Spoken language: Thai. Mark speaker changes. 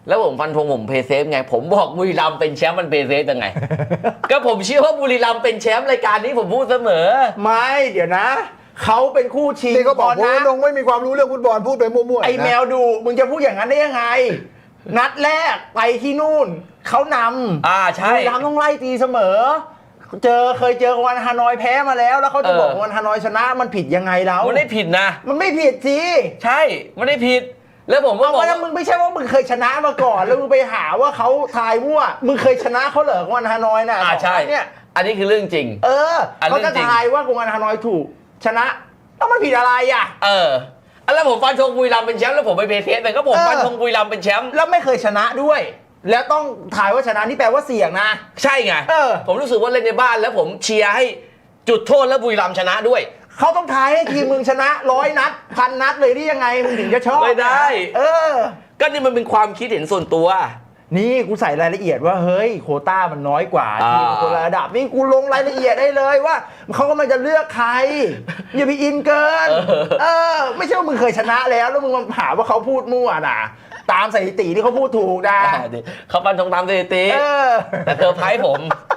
Speaker 1: แล้วผมฟันธงผมเพย์เซฟไงผมบอกบุรีรัมย์เป็นแชมป์มันเพย์เซฟยังไง ก็ผมเชื่อว่าบุรีรัมย์เป็นแชมป์รายการนี้ผมพูดเสมอ
Speaker 2: ไม่เดี๋ยวนะเขาเป็นคู่ชิง
Speaker 3: นี่ก็บอก
Speaker 2: นะ
Speaker 3: ว่าลงไม่มีความรู้เรื่องฟุตบอลพูดไปมั่วๆ
Speaker 2: ไอ้แม
Speaker 3: นะ
Speaker 2: วดูมึงจะพูดอย่างนั้นได้ยังไง นัดแรกไปที่นู่นเขานำ
Speaker 1: ใช่
Speaker 2: บุรีรัมย์ต้องไล่ตีเสมอเคยเจอวันฮานอยแพ้มาแล้วแล้วเขาจะบอกวันฮานอยชนะมันผิดยังไงแล้ว
Speaker 1: มันไม่ผิดนะ
Speaker 2: มันไม่ผิดสิ
Speaker 1: ใช่ไม่ได้ผิด แล้วผมก็
Speaker 2: เอา
Speaker 1: บอก
Speaker 2: ว่ามึงไม่ใช่ว่ามึงเคยชนะมาก่อน แล้วมึงไปหาว่าเขาทายมั่วมึงเคยชนะเขาเหรอวันฮานอยน่ะ
Speaker 1: ใช่
Speaker 2: เนี่ย
Speaker 1: อันนี้คือเรื่องจริง
Speaker 2: เขาจะทายว่าวันฮานอยถูกชนะแล้วมันผิดอะไรอ่ะ
Speaker 1: แล้วผมฟันธงบุรีรัมย์เป็นแชมป์แล้วผมไปเพย์เซฟแต่ก็ผมฟันธงบุรีรัมย์เป็นแชมป์
Speaker 2: แล้วไม่เคยชนะด้วย แล้วต้องทายว่าชนะนี่แปลว่าเสี่ยงนะ
Speaker 1: ใช่ไงผมรู้สึกว่าเล่นในบ้านแล้วผมเชียร์ให้จุดโทษแล้วบุรีรัมย์ชนะด้วย
Speaker 2: เขาต้องทายให้ทีมมึงชนะ100 นัด1,000 นัดเลยนี่ยังไงมึงถึงจะชอบ
Speaker 1: ไม่ได้
Speaker 2: ก็
Speaker 1: นี่มันเป็นความคิดเห็นส่วนตัว
Speaker 2: นี่กูใส่รายละเอียดว่าเฮ้ยโควต้ามันน้อยกว่าทีมคนละระดับนี่กูลงรายละเอียดได้เลยว่าเขากำลังจะเลือกใครอย่าไปอินเกินไม่ใช่ว่ามึงเคยชนะแล้วมึงมาหาว่าเขาพูดมั่วนะตามสถิติที่เขาพูดถูกนะ
Speaker 1: เขาฟันธงตามสถิติแต่เธอไพ่ผม